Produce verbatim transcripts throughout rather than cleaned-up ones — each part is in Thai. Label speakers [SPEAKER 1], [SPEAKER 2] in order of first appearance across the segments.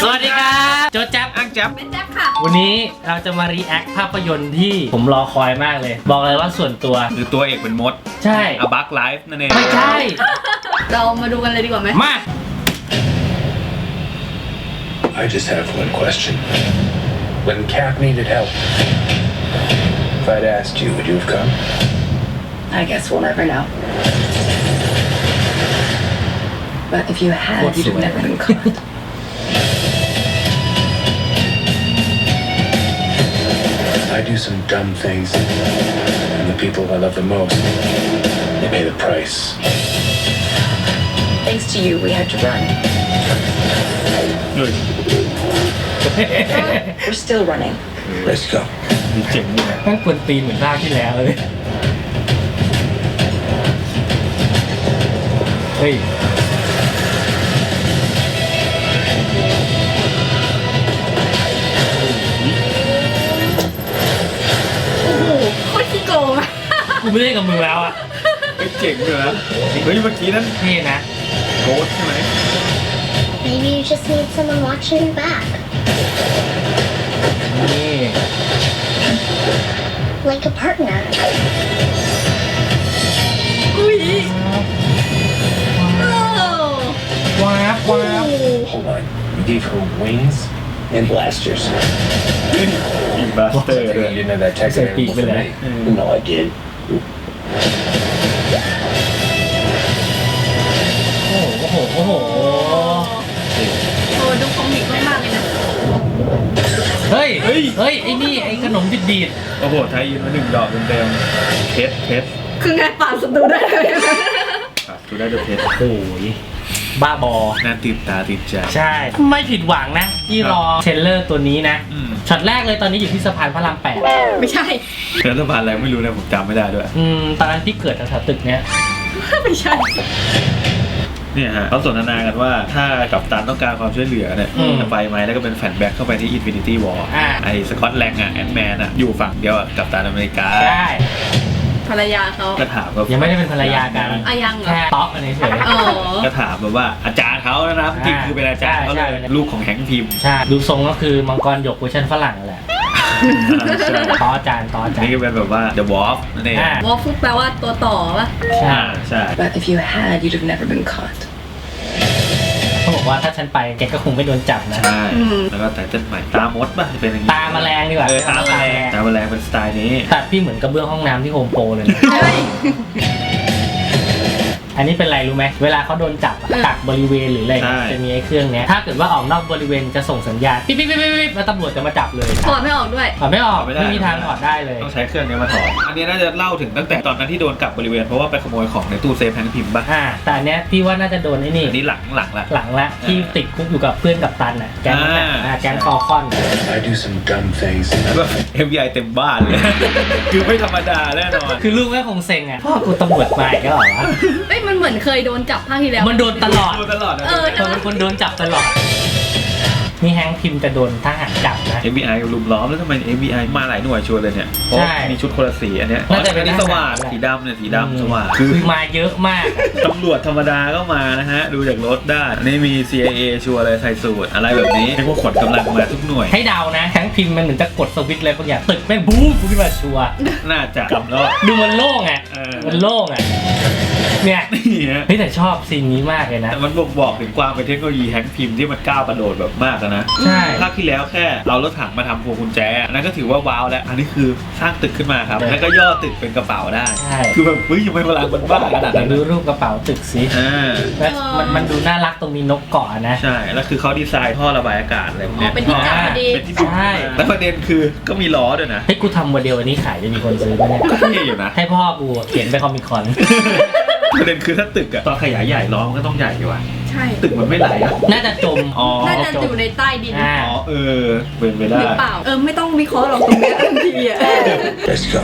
[SPEAKER 1] สวัสดีครับโจแจ๊บ
[SPEAKER 2] อังแจ๊บ
[SPEAKER 3] เป็นแจ๊บค่ะ
[SPEAKER 1] วันนี้เราจะมารีแอคภาพยนตร์ที่ผมรอคอยมากเลย บอกเลยว่าส่วนตัว
[SPEAKER 2] หรือตัวเอกเป็นมด
[SPEAKER 1] ใช่
[SPEAKER 2] A Bug Life นั่นเอง
[SPEAKER 1] ไม่ใช่
[SPEAKER 3] เรามาดูกันเลยดีกว่าไหม
[SPEAKER 1] มา
[SPEAKER 4] I just have one question. When Cap needed help, if I'd asked you, would you have come?
[SPEAKER 5] I guess we'll never know. But if you had, you'd have never been caught.
[SPEAKER 4] I do some dumb things, and the people I love the most, they pay the price.
[SPEAKER 5] Thanks to you, we had to run.
[SPEAKER 2] เฮ้ย
[SPEAKER 5] We're still running.
[SPEAKER 4] Let's go.
[SPEAKER 2] เจ๋งดีนะ
[SPEAKER 1] ตั้งกวนตีนเหมือนภาคที่แล้วเลย เฮ้ย
[SPEAKER 3] โอ้โหโคตรขี้โกงอะ
[SPEAKER 1] กูไม่เล่นกับมึงแล้วอ่ะ
[SPEAKER 2] เฮ้ยเจ๋งเลยนะเฮ้ยเมื่อกี้นั่น
[SPEAKER 1] เท่นะ
[SPEAKER 2] โกดใช่ไหม
[SPEAKER 6] Maybe you just need someone watching your back.
[SPEAKER 1] นี่
[SPEAKER 6] Like a partner.
[SPEAKER 3] อุ้ยโอ้
[SPEAKER 1] ว้าบว้าบ
[SPEAKER 4] Hold on. You gave her wings and blasters.
[SPEAKER 2] อีกบาสเตอร์
[SPEAKER 4] You
[SPEAKER 2] ด้วย
[SPEAKER 4] didn't have that tech
[SPEAKER 1] Say
[SPEAKER 4] available
[SPEAKER 1] peek
[SPEAKER 4] for
[SPEAKER 1] with
[SPEAKER 4] me. No, I did.
[SPEAKER 1] โอ้โห โอ้โห โอ้โห
[SPEAKER 3] โหดูคอมิกมากๆเลยนะ
[SPEAKER 1] เฮ้ย เฮ้ย เฮ้ย ไอ้นี่ ไอ้ขนมดิดดีด
[SPEAKER 2] โอ้โหไทยยินมาหนึ่งดอกเต็มๆเพชรเพชร
[SPEAKER 3] คือไงป่าดศัตรูได้เลย
[SPEAKER 2] อ่ะดูได้ดูเพชร
[SPEAKER 1] โอ้ยบ้าบอ
[SPEAKER 2] น่าติดตาติดใจ
[SPEAKER 1] ใช่ ไม่ผิดหวังนะ ที่รอเทรลเลอร์ตัวนี้นะ
[SPEAKER 2] อืม
[SPEAKER 1] ช็อตแรกเลยตอนนี้อยู่ที่สะพานพระรามแปด
[SPEAKER 3] ไม่ใช่
[SPEAKER 2] แล้วสะพานอะไรไม่รู้นะผมจำไม่ได้ด้วย
[SPEAKER 1] อืม ตอนนั้นที่เกิดแถวๆตึกเนี้ย
[SPEAKER 3] ไม่ใช่
[SPEAKER 2] เนี่ยฮะเขาสนทนากันว่าถ้ากัปตันต้องการความช่วยเหลือเนี่ย
[SPEAKER 1] อืม
[SPEAKER 2] จะไปไหมแล้วก็เป็นแฟนแบ็กเข้าไปที่ Infinity War
[SPEAKER 1] อ่า
[SPEAKER 2] ไอ้สกอตแลงอ่ะแอนด์แมนอ่ะอยู่ฝั่งเดียวกับกัปตันอเมริกา
[SPEAKER 1] ใช่
[SPEAKER 3] ภรรยาเขา
[SPEAKER 2] ก็ถามว่า
[SPEAKER 1] ยั
[SPEAKER 2] ยัง
[SPEAKER 1] ไม่ได้เป็นภรรยากัน
[SPEAKER 3] อายังเหรอ
[SPEAKER 1] แค่ต๊อกอันนี้เฉย
[SPEAKER 3] อ๋อ
[SPEAKER 2] ก็ถามแบบว่าอาจารย์เขานะครับจริงคือเป็นอาจารย์เขาเลย
[SPEAKER 1] ใช่ใช่
[SPEAKER 2] ลูกของแฮงค์พิมพ์
[SPEAKER 1] ใช่ ดูทรงก็คือมังกรหยกเวอร์ชันฝรั่งนั่นแหละ
[SPEAKER 2] ใช่
[SPEAKER 1] ต่ออาจารย์ต่ออาจาร
[SPEAKER 2] นี่
[SPEAKER 1] ย์
[SPEAKER 2] ก็เป็นแบบว่า The Wolf นั่นเอง
[SPEAKER 1] อ่า
[SPEAKER 3] วอลฟุตแปลว่าตัวต่อปะ
[SPEAKER 1] ใช่
[SPEAKER 2] อ่าใช่
[SPEAKER 5] But if you had, you'd have never been caught.
[SPEAKER 1] เขาบอกว่าถ้าฉันไปแกก็คงไม่โดนจับนะ
[SPEAKER 2] ใช่ แล้วก็ไตเติ้ลใหม่ตามดป่ะเป็นอย่างนี้
[SPEAKER 1] ตาแมลงดีกว่า
[SPEAKER 2] เออตาแมลงตาแมลงเป็นสไตล์นี้
[SPEAKER 1] ตัดพี่เหมือนกระเบื้องห้องน้ำที่โฮมโปรเลยนะ
[SPEAKER 3] ใช่
[SPEAKER 1] อันนี้เป็นไรรู้ไหมเวลาเขาโดนจับอะ
[SPEAKER 3] เออ
[SPEAKER 1] กักบริเวณหรืออะไร
[SPEAKER 2] ใช่
[SPEAKER 1] จะมีไอ้เครื่องเนี้ยถ้าเกิดว่าออกนอกบริเวณจะส่งสัญญาณปิ๊บปิ๊บปิ๊บปิ๊บแล้วตำรวจจะมาจับเลย
[SPEAKER 3] ถอดไม่ออกด้วย
[SPEAKER 1] ถอดไม่ออก
[SPEAKER 2] ถอดไม่ได้
[SPEAKER 1] ไม่มีทางถอดได้เลย
[SPEAKER 2] ต้องใช้เครื่องนี้มาถอดอันนี้น่าจะเล่าถึงตั้งแต่ตอนนั้นที่โดนกักบริเวณเพราะว่าไปขโมยของในตู้เซฟแฮงค์พิมพ์ป่ะ
[SPEAKER 1] อ่าแต่อันเนี้ยพี่ว่าน่าจะโดนไอ้นี่
[SPEAKER 2] อันนี้หลังหลังละ
[SPEAKER 1] หลังละที่ติดคุกอยู่กับเพื่อนกับตันอ่ะแก๊งนั้นน่ะ
[SPEAKER 2] อ่า
[SPEAKER 1] อ่าแก๊งฟอลคอน
[SPEAKER 4] I do some dumb things.
[SPEAKER 2] แล้วก็ เอฟ บี ไอ เต็มบ้านเลย คือไม่ธรรมดาแน่นอน
[SPEAKER 1] คือลูกแม่คงเซ็งอ่ะพ่อกูตำรวจมาอีกแล้วเหรอวะ
[SPEAKER 3] เอ้ยมันเหมือนเคยโดนจับภาคที่แล้ว
[SPEAKER 1] มันโดนตลอด
[SPEAKER 2] ดูตลอดนะ
[SPEAKER 3] เออ
[SPEAKER 1] เธอเป็นคนโดนจับตลอดนี่แฮงค์พิมพ์จะโดนทหารจับนะ
[SPEAKER 2] เอฟ บี ไอ ลุมล้อมแล้วทำไม เอฟ บี ไอ มาหลายหน่วยชัวร์เลยเนี่ยเพราะ
[SPEAKER 1] ใช่
[SPEAKER 2] มีชุดคนละสีอันเนี้ย
[SPEAKER 1] น่าจะเป็น
[SPEAKER 2] อันนี้สว่าง
[SPEAKER 1] ทหารแหละ
[SPEAKER 2] สีดำเนี่ยสีดำสว่าง
[SPEAKER 1] คือมาเยอะมากอะ
[SPEAKER 2] ตำรวจธรรมดาก็มานะฮะ ดูจากรถได้อันนี้มี ซี ไอ เอ ชัวร์เลยใส่สูตรอะไรแบบนี้ให้พวกขนกำลังมาทุกหน่วย
[SPEAKER 1] ให้เดานะแฮงค์พิมพ์มันเหมือนจะกดสวิตช์อะไรบางอย่างตึกแม่งบู๊ขึ้นมาชัวร์
[SPEAKER 2] น่าจะกำแล้ว
[SPEAKER 1] ดูมันโล่งอ่ะ
[SPEAKER 2] เออ
[SPEAKER 1] มันโล่งอ่ะเนี่ย
[SPEAKER 2] นี่ฮะ
[SPEAKER 1] เฮ้ยแต่ชอบซีนนี้มากเลยนะ
[SPEAKER 2] แต่มันบ่งบอกถึงความเป็นเทคโนโลยีแฮงค์พิมพ์ที่มันก้าวกระโดดแบบมากอะนะ
[SPEAKER 1] ใช่
[SPEAKER 2] ภาคที่แล้วแค่เอารถถังมาทำพวงกุญแจอันนั้นก็ถือว่าว้าวแล้ว อันนี้คือสร้างตึกขึ้นมาครับ แล้วก็ย่อตึกเป็นกระเป๋าได้
[SPEAKER 1] ใช่
[SPEAKER 2] คือแบบเฮ้ยยังไม่พลังมันบ้าขนาด
[SPEAKER 1] เดี๋ย
[SPEAKER 2] นั้
[SPEAKER 1] วน ดูรูปกระเป๋าตึกสิ
[SPEAKER 2] อ่า
[SPEAKER 1] แล้วมันมันดูน่ารักตรงมีนกเกาะนะ
[SPEAKER 2] ใช่ แล้วคือเขาดีไซน์ท่อระบายอากาศอะไรพวก
[SPEAKER 3] อ๋อ
[SPEAKER 2] เนี้ย
[SPEAKER 3] เป็นที่จับพอดี
[SPEAKER 2] เป็นที่ดูด
[SPEAKER 1] ใช่
[SPEAKER 2] แล้วประเด็นคือก็มีล้อด้วยนะ
[SPEAKER 1] ให้กูทำโมเดลอันนี้ขายจะมีคนซื้อไหมเนี่ย
[SPEAKER 2] ก็เท่อยู่นะ
[SPEAKER 1] ให้พ่อกูเขียนไปคอมิคอน
[SPEAKER 2] ประเด็นคือถ้าตึกอะตอนขยายใหญ่ล้อมันก็ต้องใหญ่อยู่อะ
[SPEAKER 3] ใช่
[SPEAKER 2] ตึกมันไม่ไหลอะ
[SPEAKER 1] น่าจะจม
[SPEAKER 2] อ๋อ
[SPEAKER 3] น่าจะอยู่ในใต้ดิน
[SPEAKER 1] อ่า
[SPEAKER 2] อ๋อเออเป็นไปได้
[SPEAKER 3] หรือเปล่า เออไม่ต้องวิเคราะห์หรอกตรงเนี้ยทันทีอ่ะ
[SPEAKER 4] Let's go.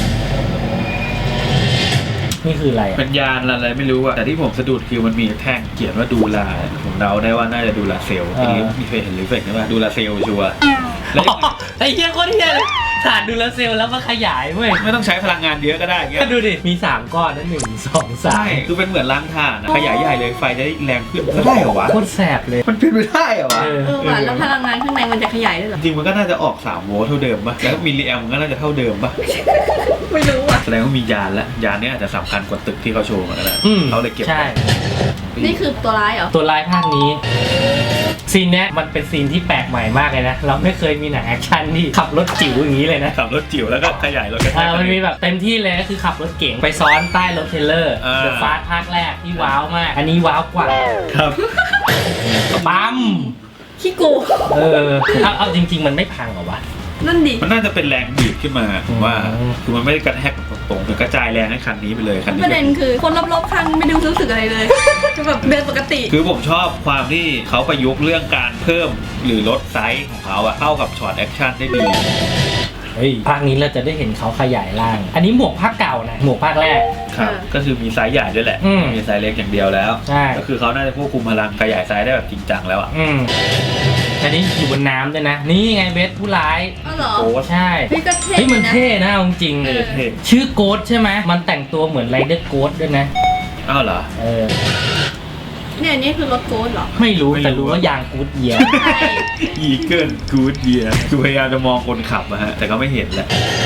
[SPEAKER 1] นี่คืออะไรอะ
[SPEAKER 2] เป็นยานอะไรไม่รู้อะแต่ที่ผมสะดุดคือมันมีแท่งเขียนว่าดูลาผมเดาได้ว่าน่าจะดูลาเซลล์มีเคยเห็นรีเฟกไหมว่าดูลาเซลล์ชัวร์แล้ว
[SPEAKER 1] อ๋อไอ้เหี้ยโคตรเหี้ยเลยทขาดดูแลเซลแล้วมาขยายเว้ย
[SPEAKER 2] ไม่ต้องใช้พลังงานเยอะก็ได้เงี้ย
[SPEAKER 1] ก็ดูดิ มีสามก้อนนะหนึ่งสองสา
[SPEAKER 2] ใช่
[SPEAKER 1] ม
[SPEAKER 2] คือเป็นเหมือนล้างถ่านอะขยายใหญ่เลยไฟจะได้แรงขึ้นก็ได้เหรอวะ
[SPEAKER 1] โคตรแสบเลย
[SPEAKER 2] มันเป็นไปได้เหรอวะ
[SPEAKER 1] เออ
[SPEAKER 3] เออว่ะแล้วพลังงานข้างในมันจะขยายได้เหรอ
[SPEAKER 2] จริงมันก็น่าจะออกสามโวลต์เท่าเดิมป่ะแล้วมิลลิแอมมันก็น่าจะเท่าเดิมป่ะ
[SPEAKER 3] ไม่รู้อ่ะ
[SPEAKER 2] แสดงว่ามียานแล้วยานเนี้อาจจะสำคัญกว่าตึกที่เขาโชว์มาแล้ว
[SPEAKER 1] อืม
[SPEAKER 2] เขาเลยเก็บ
[SPEAKER 1] ใช่
[SPEAKER 3] นี่คือตัวร้ายเหรอ
[SPEAKER 1] ตัวลายภาคนี้ ซีนเนี้ยมันเป็นซีนที่แปลกใหม่มากเลยนะ เราไม่เคยมีหนังแอคชั่นที่ขับรถจิ๋วอย่างนี้เลยนะ
[SPEAKER 2] ขับรถจิ๋วแล้วก็ขยายรถกระแท
[SPEAKER 1] อ่าก มันมีแบบเต็มที่เลยก็คือขับรถเก๋งไปซ้อนใต้รถเทรลเลอร์
[SPEAKER 2] อ่า
[SPEAKER 1] เดอะฟาสภาคแรกที่ว้าวมาก อันนี้ว้าวกว่า
[SPEAKER 2] ครับ
[SPEAKER 1] ปั๊ม
[SPEAKER 3] ขี้โกง
[SPEAKER 1] เออเอาเอาจริง ๆ มันไม่พังเหรอวะ
[SPEAKER 3] นั่นดิ
[SPEAKER 2] มันน่าจะเป็นแรงบีบขึ้นมาผมว่า
[SPEAKER 1] อืม
[SPEAKER 2] คือมันไม่ได้กระแทกตรงๆมันกระจายแรงให้คันนี้ไปเลยคันนี้
[SPEAKER 3] ประเด็นคือคนรอบๆข้างไม่ได้รู้สึกอะไรเลยคือแบบเดินปกติ
[SPEAKER 2] คือผมชอบความที่เขาประยุกต์เรื่องการเพิ่มหรือลดไซส์ของเขาอะเข้ากับช็อตแอคชั่นได้ดี
[SPEAKER 1] เฮ้ยภาคนี้เราจะได้เห็นเขาขยายร่าง อันนี้หมวกภาคเก่านะ หมวกภาคแรก
[SPEAKER 2] ครับ
[SPEAKER 3] เออ
[SPEAKER 2] ก็คือมีไซส์ใหญ่ด้วยแหละ
[SPEAKER 1] อืม
[SPEAKER 2] มีไซส์เล็กอย่างเดียวแล้ว
[SPEAKER 1] ใช่
[SPEAKER 2] ก็คือเขาน่าจะควบคุมพลังขยายไซส์ได้แบบจริงจังแล้วอะ
[SPEAKER 1] อืมอันนี้อยู่บนน้ำด้วยนะ นี่ไงเบสผู้ร้าย
[SPEAKER 3] อ๋อเหรอ
[SPEAKER 2] โอ้
[SPEAKER 1] ใช่
[SPEAKER 3] พี่ก็เท่
[SPEAKER 1] เฮ้ยมัน
[SPEAKER 3] นะ
[SPEAKER 1] เท่นะเอาจริง
[SPEAKER 3] เออ
[SPEAKER 2] เท่
[SPEAKER 1] ชื่อโกดใช่ไหมมันแต่งตัวเหมือนไรเดอร์โกดด้วยนะ
[SPEAKER 2] อ้าวเหรอ
[SPEAKER 1] เออ
[SPEAKER 3] เนี่ยอันนี่คือรถโกดเหรอ
[SPEAKER 1] ไม่รู้
[SPEAKER 2] ไม่รู้
[SPEAKER 1] แต่รู้ว่ายางกูดเยียร์
[SPEAKER 3] ใช่
[SPEAKER 2] อีเกิลกูดเยียคือพยายามจะมองคนขับอะฮะแต่ก็ไม่เห็นแหละ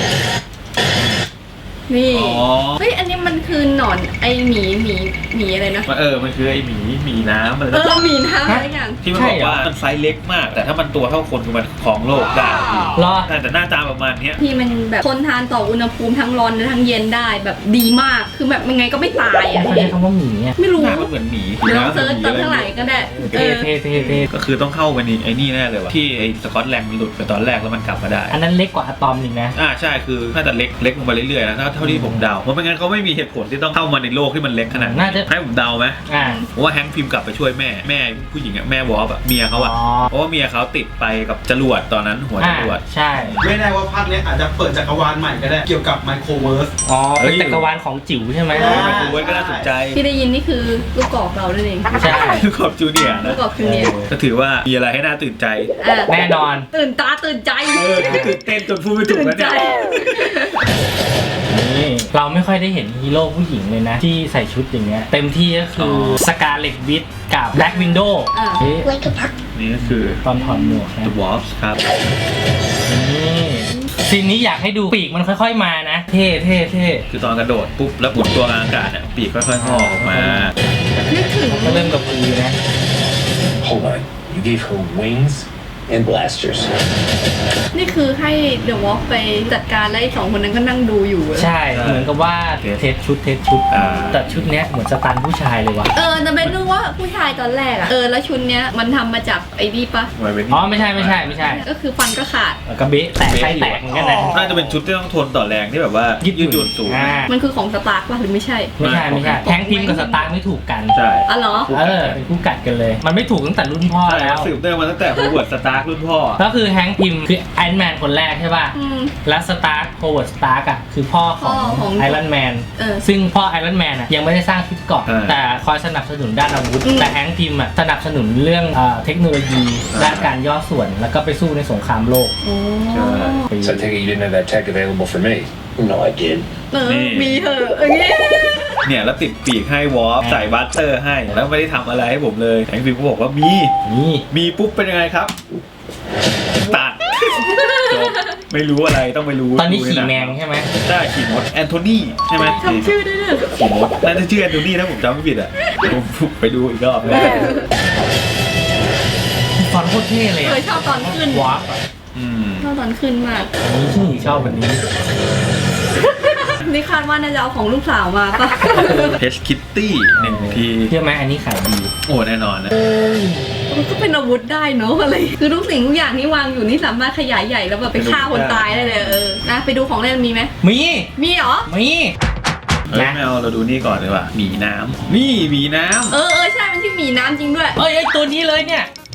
[SPEAKER 3] นี่
[SPEAKER 2] อ๋อ
[SPEAKER 3] เฮ้ยอันนี้มันคือหนอนไอหมีหมีหมีอะไรนะ
[SPEAKER 2] มันเออมันคือไอหมีหมีน้ำอะไร
[SPEAKER 3] เออหมีน้ำอะไรอย่าง
[SPEAKER 2] ที่มันบอกว่ามันไซส์เล็กมาก แต่ถ้ามันตัวเท่าคนคือมันครองโลกได้
[SPEAKER 1] รอ
[SPEAKER 2] แต่แต่หน้าตาประมาณเนี้ย
[SPEAKER 3] ที่มันแบบทนทานต่ออุณหภูมิทั้งร้อนและทั้งเย็นได้แบบดีมากคือแบบยังไงก็ไม่ตายอ่ะ
[SPEAKER 1] เขาใช้คำว่าหมีอ่ะ
[SPEAKER 3] ไม่รู้
[SPEAKER 2] หน้ามันเหมือนหมี
[SPEAKER 3] เดี๋ยวลองเซิร์ชตามข้างหลังก็ได้เอ
[SPEAKER 1] เท่
[SPEAKER 3] อ
[SPEAKER 1] เท่เท่เท่
[SPEAKER 2] ก็คือต้องเข้าไปในไอ้นี่แน่เลยว่ะที่ไอ้สกอตแลนด์มันหลุดไปตอนแรกแล้วมันกลับมาได้
[SPEAKER 1] อันนั้นเล็กกว่าอะตอมหนึ่งนะ
[SPEAKER 2] อ่าใช่คือน่าจะเล็กเล็กลงไปเรื่อยๆนะถ้าเท่าที่ผมเดาเพราะไม่งั้นเขาไม่มีเหตุผลที่ต้องเข้ามาในโลกที่มันเล็กขนาด
[SPEAKER 1] น่าจะ
[SPEAKER 2] ให้ผมเดาไหม
[SPEAKER 1] อ่า
[SPEAKER 2] เพราะว่าแฮงค์พิมพ์กลับไปช่วยแม่แม่ผู้หญิงอะแม่วอฟอะเมียเขาอะ
[SPEAKER 1] อ๋อ
[SPEAKER 2] เพราะว่าเมียเขาติดไปกับจรวดตอนนั้นหัวจ
[SPEAKER 1] อ่าร
[SPEAKER 2] วด
[SPEAKER 1] ใช่
[SPEAKER 7] ไม่แน่ว่าภาคเนี้ยอาจจะเปิดจักรวาลใหม่ก็ได้ เกี่ยวกับไมโครเวิร์ส
[SPEAKER 1] อ๋อ
[SPEAKER 2] เฮ้
[SPEAKER 1] เป็น
[SPEAKER 2] ย
[SPEAKER 1] จักรวาลของจิ๋วใช่ไหม
[SPEAKER 7] อ่า
[SPEAKER 2] ไมโครเวฟก็น่าสนใจ
[SPEAKER 3] ที่ได้ยินนี่คือลูกกอกเรานั่นเอง
[SPEAKER 1] ใช่
[SPEAKER 2] ลูกขอบจูเนียร์
[SPEAKER 3] ลู
[SPEAKER 2] นะ
[SPEAKER 3] กกอกคือเนี่ย
[SPEAKER 2] ก็ถือว่ามีอะไรให้น่าตื่นใจ
[SPEAKER 3] อ่ะ
[SPEAKER 1] แน่นอน
[SPEAKER 3] ตื่นตาตื่นใจ
[SPEAKER 2] เออตื่นเต้นจนพูดไม่ถูก
[SPEAKER 3] ตื่น
[SPEAKER 2] แล้ว
[SPEAKER 3] ใจ
[SPEAKER 2] เนี่ย
[SPEAKER 1] นี่เราไม่ค่อยได้เห็นฮีโร่ผู้หญิงเลยนะ ที่ใส่ชุดอย่างเงี้ยเต็มที่ก็คือสกาเลตวิทกับแบล็กวินโดว์
[SPEAKER 3] อ่ะ
[SPEAKER 6] Like a park.
[SPEAKER 2] นี่ก็คือ
[SPEAKER 1] ตอนถอดหมวกนะ
[SPEAKER 2] The Wasp ครับ
[SPEAKER 1] นี่ซีนนี้อยากให้ดูปีกมันค่อยๆมานะ เท่เท่เท่
[SPEAKER 2] คือตอนกระโดดปุ๊บแล้วหมุนตัวกลางอากาศเนี่ยปีกค่อยๆงอกออกมา
[SPEAKER 3] นึกถึง
[SPEAKER 1] ก็เริ่มกับพือนะ
[SPEAKER 4] Hold on. You gave her wings and blasters.
[SPEAKER 3] นี่คือให้เดอะวอล์กไปจัดการแล้วไอ้สองคนนั้นก็นั่งดูอยู่อะ
[SPEAKER 1] ใช่เหมือนกับว่าเทสชุดเทสชุด
[SPEAKER 2] อ่า
[SPEAKER 1] แต่ชุดเนี้ยเหมือนสตันผู้ชายเลยว่ะ
[SPEAKER 3] เออแต่เป็นรู้ว่าผู้ชายตอนแรกอะเออแล้วชุดเนี้ยมันทำมาจากไอ้นี่ปะ
[SPEAKER 2] ไว้เป็น
[SPEAKER 1] อ๋อไม่ใช่ไม่ใช่ไม่ใช่
[SPEAKER 3] ก็คือฟันก็ขาด
[SPEAKER 1] กระเบะแตกไส้แตกเหมือนกันนะ
[SPEAKER 2] น่าจะเป็นชุดที่ต้องทนต่อแรงที่แบบว่ายืดหยุ่นสูง
[SPEAKER 1] อ่า
[SPEAKER 3] มันคือของสตาร์กปะหรือไม่ใช่
[SPEAKER 1] ไม่ใช่ไม่ใช่แทงพิมพ์กับสตาร์ไม่ถูกกัน
[SPEAKER 2] ใช่
[SPEAKER 3] อ๋อเหรอ
[SPEAKER 1] เออเป็นคู่กัดกันเลย มันไม่ถูกตั้งแต่รุ่นพ่อ
[SPEAKER 2] ใช่
[SPEAKER 1] แล้ว
[SPEAKER 2] สืบเนื่องมาตั้งแต่โฮเวิร์ดสตาร์รุ่นพ่อ
[SPEAKER 1] ก็คือแฮงค์พิมพ์คือไอรอนแมนคนแรกใช่ป่ะ
[SPEAKER 3] อืม
[SPEAKER 1] แล้วสตาร์คโฮเวิร์ดสตาร์กอ่ะคือพ่อของ
[SPEAKER 3] พ่อของ
[SPEAKER 1] ไอรอนแมน
[SPEAKER 3] เออ
[SPEAKER 1] ซึ่งพ่อไอรอนแมนอ่ะยังไม่ได้สร้างชุดเกราะ
[SPEAKER 2] เออ
[SPEAKER 1] แต่คอยสนับสนุนด้านอาวุธ
[SPEAKER 3] อืม
[SPEAKER 1] แต่แฮงค์พิมพ์อ่ะสนับสนุนเรื่องเอ่อเทคโนโลยี
[SPEAKER 2] เออ
[SPEAKER 1] ด้านการย่อส่วนแล้วก็ไปสู้ในสงครามโลก
[SPEAKER 3] โอ้
[SPEAKER 4] So I take it you didn't have that tech available for me. No, I did.
[SPEAKER 3] เออ
[SPEAKER 2] นี่
[SPEAKER 3] มีเหอะอย่างงี้
[SPEAKER 2] เนี่ยแล้วติดปีกให้วอฟใส่บัตเตอร์ให้แล้วไม่ได้ทำอะไรให้ผมเลยแองฟิวก็บอกว่ามี
[SPEAKER 1] นี่
[SPEAKER 2] มีปุ๊บเป็นยังไงครับ ตัดจบไม่รู้อะไรต้องไปรู้
[SPEAKER 1] ตอนนี้
[SPEAKER 2] ดู
[SPEAKER 1] ขี่
[SPEAKER 2] ให
[SPEAKER 1] แม
[SPEAKER 2] ง
[SPEAKER 1] งใช่ไหม
[SPEAKER 2] ได้ขี่มดแอนโทนีใช่ไหม
[SPEAKER 3] ทำชื่อได้ด้วย
[SPEAKER 2] ขี่มดน่าจะชื่อแอนโทนีถ้าผมจำไม่ผิดอ่ะผมไปดูอีกรอบเลย
[SPEAKER 1] ฟอนต์โคตรเท่เลย
[SPEAKER 3] เคยชอบตอนขึ้น
[SPEAKER 1] วาร์ปอ่ะ
[SPEAKER 2] อืม
[SPEAKER 3] ชอบตอนขึ้นมาก
[SPEAKER 1] นี่ชอบแบบนี้
[SPEAKER 3] นี่คาดว่าน่าจะเอาของลูกสาวมาปะ
[SPEAKER 2] เพชคิตตี้หนึ่งที
[SPEAKER 1] เชื่อไหมอันนี้ขายดี
[SPEAKER 2] โอ้แน่นอนนะ
[SPEAKER 3] มันก็เป็นอาวุธได้เนอะอะไร คือทุกสิ่งทุกอย่างที่วางอยู่นี่สามารถขยายใหญ่แล้วแบบไปฆ่าคนตายได้เลยเออนะไปดูของเล่นมีไหม
[SPEAKER 1] มี
[SPEAKER 3] มีเหรอ
[SPEAKER 1] มี
[SPEAKER 2] เอ้ย
[SPEAKER 1] นะ
[SPEAKER 2] ไม่เอาเราดูนี่ก่อนดีกว่าหมีน้ำนี่หมีน้
[SPEAKER 3] เออเออใช่มันชื่อหมีน้ำจริงด้วย
[SPEAKER 1] เอ้ยไอ้ตัวนี้เลยเนี่ย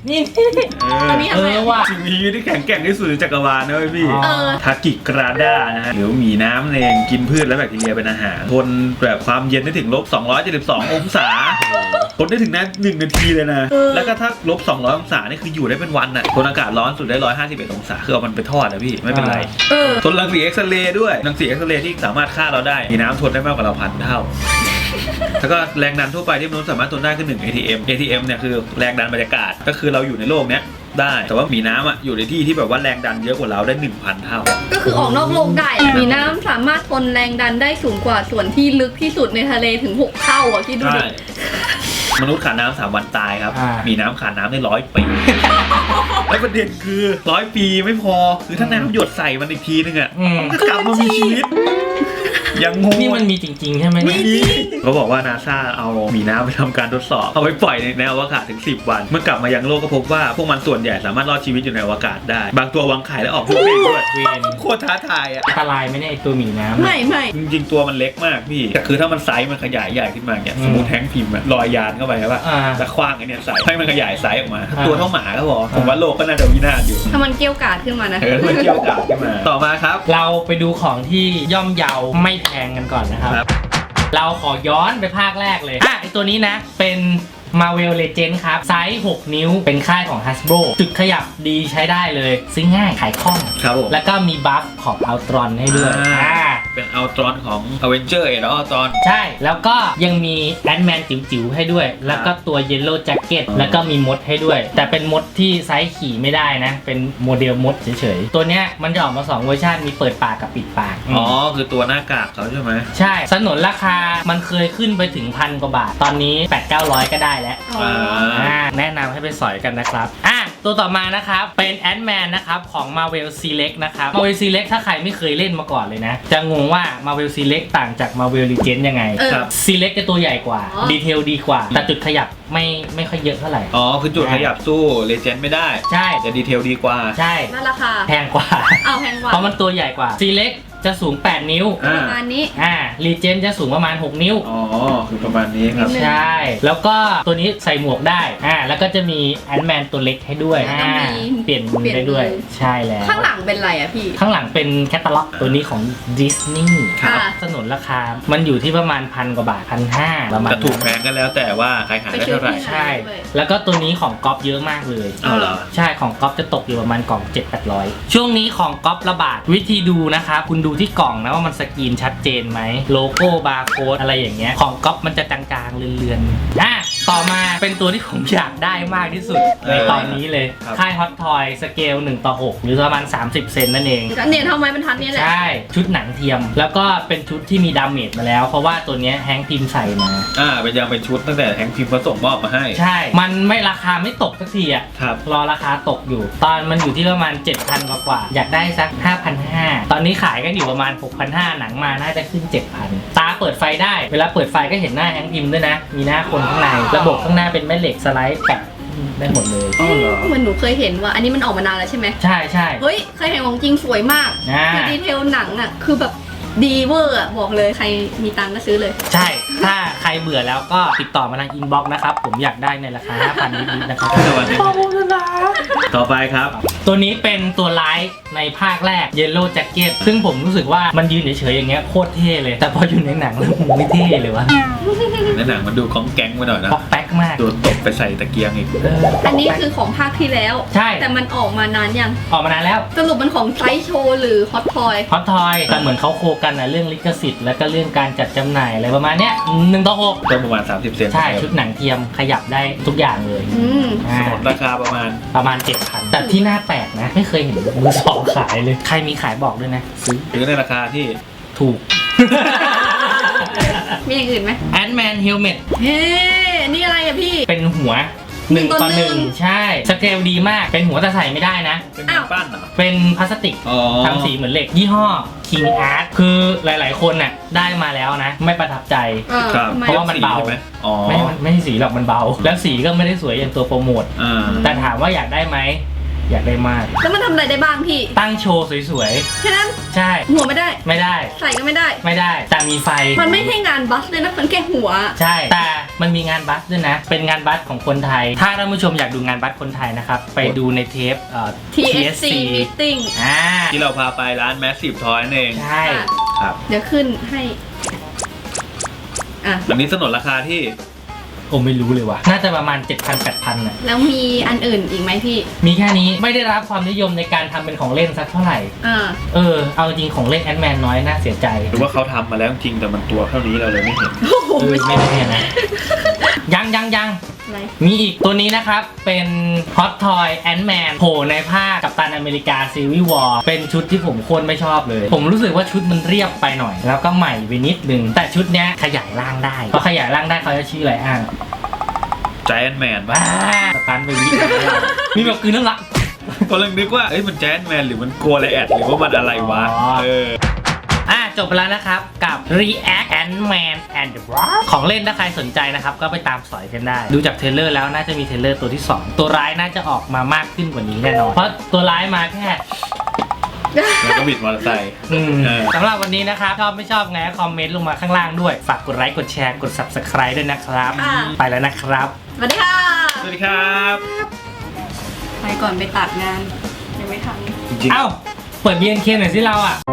[SPEAKER 1] นี่
[SPEAKER 2] เออ
[SPEAKER 3] อันนี้
[SPEAKER 1] เออว่ะ
[SPEAKER 2] สิ่งมีชีวิตที่แข็งแกร่งที่สุดในจักรวาลนะเว้ยพี่
[SPEAKER 1] อ๋อ
[SPEAKER 3] เออ
[SPEAKER 2] ทากิกราด้านะฮะหรือหมีน้ำเองกินพืชและแบคทีเรียเป็นอาหารทนแบบความเย็นได้ถึงลบสองร้อยเจ็ดสิบสององศาทนได้ถึงนั้นหนึ่งนาทีเลยนะ แล้วก็ถ้าลบสองร้อยองศานี่คืออยู่ได้เป็นวันน่ะทนอากาศร้อนสุดได้หนึ่งร้อยห้าสิบเอ็ดองศาคือเอามันไปทอดนะพี่ไม่เป็นไร
[SPEAKER 3] เออ
[SPEAKER 2] ทนรังสีเอ็กซเรย์ด้วยรังสีเอ็กซเรย์ที่สามารถฆ่าเราได้มีน้ำทนได้มากกว่าเราพันเท่า แล้วก็แรงดันทั่วไปที่มนุษย์สามารถทนได้คือหนึ่ง เอ ที เอ็ม เอ ที เอ็ม เนี่ยคือแรงดันบรรยากาศก็คือเราอยู่ในโลกเนี้ยได้แต่ว่ามีน้ำอ่ะอยู่ในที่ที่แบบว่าแรงดันเยอะกว่าเราได้ หนึ่งพัน เท่า
[SPEAKER 3] ก็คือออกนอกโลกได้ มีน้ำสามารถทนแรงดันได้สูงกว่าส่วนที่ลึกที่สุดในทะเลถึงหกเท่าอ่ะคิดดู
[SPEAKER 2] ใช่
[SPEAKER 3] ดิ
[SPEAKER 2] มนุษย์ขาดน้ำสามวันตายครับ
[SPEAKER 1] อ่ามี
[SPEAKER 2] มีน้ำขาดน้ำได้ร้อยปี แล้วประเด็นคือร้อยปีไม่พอคือถ้าน้ำหยดใส่มันอีกทีนึงอ่ะ
[SPEAKER 1] อืม
[SPEAKER 2] ก็กลับมามีชีวิต ยังงง
[SPEAKER 1] นี่มันมีจริงๆใช่ไหมเนี่ย
[SPEAKER 2] เขาบอกว่านาซาเอาหมีน้ำไปทำการทดสอบเอาไปปล่อยในอวกาศถึงสิบวันเมื่อกลับมายังโลกก็พบว่าพวกมันส่วนใหญ่สามารถรอดชีวิตอยู่ในอวกาศได้ บางตัววางไข่แล้วออกลูกเองด้วย
[SPEAKER 1] เวน
[SPEAKER 2] โคตรท้าทายอ่ะ
[SPEAKER 1] อันตรายไหมเนี่ยไอ้ตัวหมีน้ำ
[SPEAKER 3] ไม่ไม่
[SPEAKER 2] จริงๆตัวมันเล็กมากพี่แต่คือถ้ามันไซส์มันขยายใหญ่ขึ้นมาเนี่ยสมมติแท้งพิมพ์อะลอยยานเข้าไปใช่ป่ะ
[SPEAKER 1] อ่า
[SPEAKER 2] แล้วคว้างไอ้เนี่ยใส่ให้มันขยายไซส์ออกมา
[SPEAKER 1] อ่า
[SPEAKER 2] ตัวเท่าหมาก็พอผมว่าโลกก็น่าจะวินาศอยู่
[SPEAKER 3] ถ้ามันเกรี้ยวกราดขึ้นมานะ
[SPEAKER 2] เออมันเกี่ยวกับขึ้นมาต่อมาครับ
[SPEAKER 1] เราไปดูของที่ย่อมเยาไม่แพงกันก่อนนะครับ
[SPEAKER 2] ครับ
[SPEAKER 1] เราขอย้อนไปภาคแรกเลย อ่ะไอตัวนี้นะ เป็น Marvel Legends ครับ ไซส์ หก นิ้ว เป็นค่ายของ Hasbro จุดขยับดีใช้ได้เลย ซื้อง่าย ขายคล่อง
[SPEAKER 2] ครับผม
[SPEAKER 1] แล้วก็มีบัฟของ Ultron ให้ด้วย
[SPEAKER 2] อ่า
[SPEAKER 1] อ่า
[SPEAKER 2] เป็นอัลตรอนของ Avenger เอแล้วอัลตรอน
[SPEAKER 1] ใช่ แล้วก็ยังมีแอนด์แมนจิ๋วๆให้ด้วย แล้วก็ตัว Yellow Jacket แล้วก็มีมดให้ด้วย แต่เป็นมดที่ไซส์ขี่ไม่ได้นะ เป็นโมเดลมดเฉยๆ ตัวเนี้ยมันจะออกมาสองเวอร์ชันมีเปิดปากกับปิดปาก
[SPEAKER 2] อ๋อคือตัวหน้ากากเขาใช่ไหม
[SPEAKER 1] ใช่สนนราคามันเคยขึ้นไปถึงพันกว่าบาท ตอนนี้ แปดเก้าร้อย ก็ได้แล้ว
[SPEAKER 3] อ๋อ
[SPEAKER 1] อ่าแนะนำให้ไปสอยกันนะครับอ่ะตัวต่อมานะครับเป็นแอนด์แมนนะครับของ Marvel Select นะครับ Marvel Select ถ้าใครไม่เคยเล่นมาก่อนเลยนะ จะงงว่า Marvel Select ต่างจาก Marvel Legends ยังไง
[SPEAKER 3] เออ
[SPEAKER 2] ครับ
[SPEAKER 1] Select จะตัวใหญ่กว่า
[SPEAKER 3] อ๋อ
[SPEAKER 1] ดีเทลดีกว่า แต่จุดขยับไม่ไม่ค่อยเยอะเท่าไหร่
[SPEAKER 2] อ๋อคือจุดขยับสู้เลเจนด์ไม่ได้
[SPEAKER 1] ใช่
[SPEAKER 2] แต่ดีเทลดีกว่า
[SPEAKER 1] ใช่
[SPEAKER 3] แล้วราคา
[SPEAKER 1] แพงกว่า
[SPEAKER 3] เอาแพงกว่า
[SPEAKER 1] เพราะมันตัวใหญ่กว่า Select จะสูง แปด นิ้ว
[SPEAKER 2] อ่า
[SPEAKER 3] ประมาณนี้
[SPEAKER 1] อ่า Legends จะสูงประมาณ หก นิ้ว
[SPEAKER 2] อ๋อคือประมาณนี้ครับ
[SPEAKER 3] นิดนึง
[SPEAKER 1] ใช่ แล้วก็ตัวนี้ใส่หมวกได้ อ่า แล้วก็จะมีแอนด์แมนตัวเล็กให้ด้วย
[SPEAKER 3] แล้วก็
[SPEAKER 1] อ่า
[SPEAKER 3] มี
[SPEAKER 1] เปลี่ยนมือได้ด้วย
[SPEAKER 3] เปลี่ยนมือ
[SPEAKER 1] ใช่แล้ว
[SPEAKER 3] ข้างหลังเป็นไรอะพี่
[SPEAKER 1] ข้างหลังเป็นแคตตาล็อกตัวนี้ของดิสนีย์
[SPEAKER 3] ครับ
[SPEAKER 1] สนุนราคา มันอยู่ที่ประมาณพันกว่าบาทพันห้าประมาณ
[SPEAKER 2] จะถูกแพงก็แล้วแต่ว่าใครหาได้เท่าไหร่
[SPEAKER 3] ไปซื้อที่
[SPEAKER 1] ใช่ แล้วก็ตัวนี้ของก๊อปเยอะมากเลย
[SPEAKER 2] เอาเหรอ
[SPEAKER 1] ใช่ ของก๊อปจะตกอยู่ประมาณกล่อง เจ็ดแปดร้อย ช่วงนี้ของก๊อประบาด วิธีดูนะครับ คุณดูที่กล่องนะว่ามันสกรีนชัดเจนไหม โลโก้บาร์โค้ดอะไรอย่างเงี้ย ของก๊อปมันจะจางๆเลือนๆอ่ะต่อมาเป็นตัวที่ผมอยากได้มากที่สุดในตอนนี้เลย
[SPEAKER 2] ครับ
[SPEAKER 1] ค่ายฮอตทอยสเกลหนึ่งต่อหกหรือประมาณสามสิบเซนนั่นเอง
[SPEAKER 3] เนี่ยเท่าไม้บรรทัดเนี่ยแหละ
[SPEAKER 1] ใช่ ชุดหนังเทียม แล้วก็เป็นชุดที่มีดาเมจมาแล้ว เพราะว่าตัวเนี้ยแฮงค์พิมพ์ใส่มา
[SPEAKER 2] อ่าเป็นยังเป็นชุดตั้งแต่แฮงค์พิมพ์เขาส่งมอบมาให้
[SPEAKER 1] ใช่ มันไม่ราคาไม่ตกสักทีอ่ะ
[SPEAKER 2] ครับ
[SPEAKER 1] รอราคาตกอยู่ ตอนมันอยู่ที่ประมาณ เจ็ดพัน กว่ากว่า อยากได้สัก ห้าพันห้าร้อย ตอนนี้ขายกันอยู่ประมาณ หกพันห้าร้อย หนังมาน่าจะขึ้น เจ็ดพัน ตาเปิดไฟได้ เวลาเปิดไฟก็เห็นหน้าแฮงค์พิมพ์ด้วยนะ มีหน้าคนข้างใน ระบบข้างหน้าเป็นแม่เหล็กสไลด์แปะได้หมดเลย
[SPEAKER 2] อ๋อเหรอ
[SPEAKER 3] เหมือนหนูเคยเห็นว่า อันนี้มันออกมานานแล้วใช่ไหม
[SPEAKER 1] ใช่ใช่
[SPEAKER 3] เฮ้ยเคยเห็นของจริงสวยมาก
[SPEAKER 1] อ่า
[SPEAKER 3] คือดีเทลหนังอะคือแบบดีเวอร์อะบอกเลยใครมีตังค์ก็ซื้อเลย
[SPEAKER 1] ใช่ ถ้าใครเบื่อแล้วก็ติดต่อมาทางอินบ็อกซ์นะครับ ผมอยากได้ในราคา ห้าพัน นิดๆนะครับ
[SPEAKER 2] สวัสดีต่อไปครับ
[SPEAKER 1] ตัวนี้เป็นตัวร้ายในภาคแรก Yellow Jacket ซึ่งผมรู้สึกว่ามันยืนเฉยๆอย่างเงี้ยโคตรเท่เลย แต่พออยู่ในหนังแล้วมันไม่เท่เลยวะ
[SPEAKER 2] ในหนังมันดูของแก๊งไปหน่อยนะ
[SPEAKER 1] ป๊อกแป๊กมาก
[SPEAKER 2] โดนตบไปใส่ตะเกียงอีก
[SPEAKER 1] เออ
[SPEAKER 3] อันนี้คือของภาคที่แล้ว
[SPEAKER 1] ใช่
[SPEAKER 3] แต่มันออกมานานยัง
[SPEAKER 1] ออกมานานแล้ว
[SPEAKER 3] สรุปมันของไซส์โชว์หรือฮอตทอย
[SPEAKER 1] ฮอตทอยแต่เหมือนเขาโคกันนะเรื่องลิขสิทธิ์แล้วก็เรื่องการจัดจำหน่ายอะไรประมาณเนี้ยหนึ่งต่อหก
[SPEAKER 2] ก็ประมาณสามสิบเซน
[SPEAKER 1] ใช่ ชุดหนังเทียมขยับได้ทุกอย่างเลย
[SPEAKER 3] อืม
[SPEAKER 1] อ่า
[SPEAKER 2] สมมติราคาประมาณ
[SPEAKER 1] ประมาณ เจ็ดพัน แต่ที่น่าแปลกนะ ไม่เคยเห็นมือสองขายเลย ใครมีขายบอกด้วยนะ ซื้อ
[SPEAKER 2] ซื้อในราคาที่
[SPEAKER 1] ถูก
[SPEAKER 3] มีอย่างอื่นไหม
[SPEAKER 1] แอนด์แมนเฮลเมต
[SPEAKER 3] เฮ้นี่อะไรอะพี่
[SPEAKER 1] เป็นหัว
[SPEAKER 3] ห
[SPEAKER 1] ห
[SPEAKER 3] นึ่
[SPEAKER 1] นึ่
[SPEAKER 3] ง
[SPEAKER 1] ง
[SPEAKER 3] ต่อ
[SPEAKER 1] ต่อหนึ่ง
[SPEAKER 3] หนึ่ง
[SPEAKER 1] ใช่ สเกลดีมาก เป็นหัวแต่ใส่ไม่ได้นะ
[SPEAKER 2] เป็น
[SPEAKER 3] อ้าว
[SPEAKER 2] ปั้นเหรอ
[SPEAKER 1] เป็นพลาสติก
[SPEAKER 2] อ๋อ
[SPEAKER 1] ทำสีเหมือนเหล็ก ยี่ห้อ King Art คือหลายๆ คนน่ะได้มาแล้วนะ ไม่ประทับใจ
[SPEAKER 3] เออ
[SPEAKER 2] ครับ
[SPEAKER 3] ทำไม
[SPEAKER 1] เพราะว่ามันเบา
[SPEAKER 2] ใช่ไหมอ๋อ
[SPEAKER 1] ไม่ไม่ใช่สีหรอกมันเบา แล้วสีก็ไม่ได้สวยอย่างตัวโปรโมท
[SPEAKER 2] อ่า
[SPEAKER 1] แต่ถามว่าอยากได้ไหมอยากได้มาก
[SPEAKER 3] แล้วมันทำอะไรได้บ้างพี่
[SPEAKER 1] ตั้งโชว์สวย
[SPEAKER 3] แค่นั้น
[SPEAKER 1] ๆ ใช่
[SPEAKER 3] หัวไม่ได้
[SPEAKER 1] ไม่ได้
[SPEAKER 3] ใส่ก็ไม่ได้
[SPEAKER 1] ไม่ได้ แต่มีไฟ
[SPEAKER 3] มันไม่ใช่งานบัสเลยนะ มันแค่หัว
[SPEAKER 1] ใช่ แต่มันมีงานบัสด้วยนะ เป็นงานบัสของคนไทย ถ้าท่านผู้ชมอยากดูงานบัสคนไทยนะครับ ไปดูในเทปเอ่อ
[SPEAKER 3] ที เอส ซี Meeting
[SPEAKER 1] อ่า
[SPEAKER 2] ที่เราพาไปร้าน Massive Toy นั่นเอง
[SPEAKER 1] ใช่
[SPEAKER 2] ครับ
[SPEAKER 3] เดี๋ยวขึ้นให้ อ่ะ
[SPEAKER 2] วันนี้สนนราคาที่
[SPEAKER 1] ผมไม่รู้เลยว่ะ น่าจะประมาณ เจ็ดพัน แปดพัน น่ะ
[SPEAKER 3] แล้วมีอันอื่นอีกไหมพี่
[SPEAKER 1] มีแค่นี้ ไม่ได้รับความนิยมในการทำเป็นของเล่นสักเท่าไหร่
[SPEAKER 3] อ่า
[SPEAKER 1] เออ เอาจริงของเล่นแอนด์แมนน้อยน่าเสียใจ
[SPEAKER 2] หรือว่าเขาทำมาแล้วจริงแต่มันตัวเท่านี้เราเลยไม่เห็น
[SPEAKER 3] โอ้โห
[SPEAKER 1] เออ
[SPEAKER 3] ไม่ใช่
[SPEAKER 1] ไม่ได้นะ ยังยังยัง
[SPEAKER 3] อะไร
[SPEAKER 1] มีอีกตัวนี้นะครับ เป็น Hot Toy Ant-Man โผล่ในภาคกัปตันอเมริกา Civil War เป็นชุดที่ผมโคตรไม่ชอบเลย ผมรู้สึกว่าชุดมันเรียบไปหน่อย แล้วก็ใหม่ไปนิดนึง แต่ชุดเนี้ยขยายร่างได้พอขยายร่างได้เขาจะชื่ออะไรอ่ะ
[SPEAKER 2] Giant Man
[SPEAKER 1] บ้าสตันไปวิมีแบบคืนน้ำลาย
[SPEAKER 2] กำลังนึกว่าเอ้ยมัน Giant Man หรือมันกลัวอะไรแอดหรือว่ามันอะไรวะ
[SPEAKER 1] อ๋อ
[SPEAKER 2] เออ
[SPEAKER 1] อ่ะจบไปแล้วนะครับกับ React Ant-Man and the Wasp ของเล่นถ้าใครสนใจนะครับ ก็ไปตามสอยกันได้ ดูจากเทรลเลอร์แล้วน่าจะมีเทรลเลอร์ตัวที่สองตัวร้ายน่าจะออกมามากขึ้นกว่านี้แน่นอน เพราะตัวร้ายมาแค่
[SPEAKER 2] แล้วก็บิดมอเตอร์ไซค์
[SPEAKER 1] อืม
[SPEAKER 2] เออ
[SPEAKER 1] สำหรับวันนี้นะครับ ชอบไม่ชอบไงคอมเมนต์ลงมาข้างล่างด้วย ฝากกดไลค์กดแชร์กด Subscribe ด้วยนะครับ
[SPEAKER 3] อ่า
[SPEAKER 1] ไปแล้วนะครับ
[SPEAKER 3] สวัสดีค่ะ
[SPEAKER 2] สวัสดีครับ
[SPEAKER 3] ไปก่อนไปตัดงาน ยังไม่ทำ
[SPEAKER 2] จริง
[SPEAKER 1] เอ้า เปิด บี เอ็น เค หน่อยสิเราอ่ะ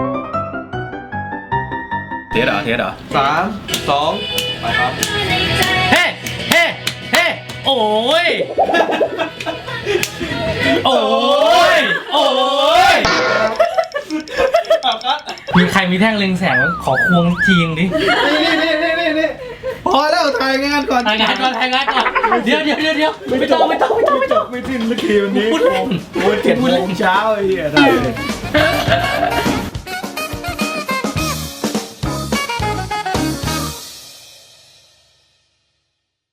[SPEAKER 2] ๆเทสเหรอเทสเหรอ
[SPEAKER 7] สามสองไปครับ
[SPEAKER 1] เฮ้ เฮ้ เฮ้ โอ้ย โอ้ย โอ้ย
[SPEAKER 7] ครับครับ
[SPEAKER 1] มีใครมีแท่งเล็งแสงขอควงทีงดิ
[SPEAKER 7] นี่นี่นี่นี่นี่พอแล้วถ่ายงานก่อน
[SPEAKER 1] ทายงานก่อนทายงานก่อน เดี๋ยวเดี๋ยวเดี๋ยวเดี๋ยวไม่ต้องไม่ต้องไม่ต้องไม่ต้อง
[SPEAKER 2] ไม่สิ้นสักทีวันนี้
[SPEAKER 1] พูดเล่น
[SPEAKER 2] โอ้ยเจ็ดโมงเช้าไอ้เหี้ยได้เลย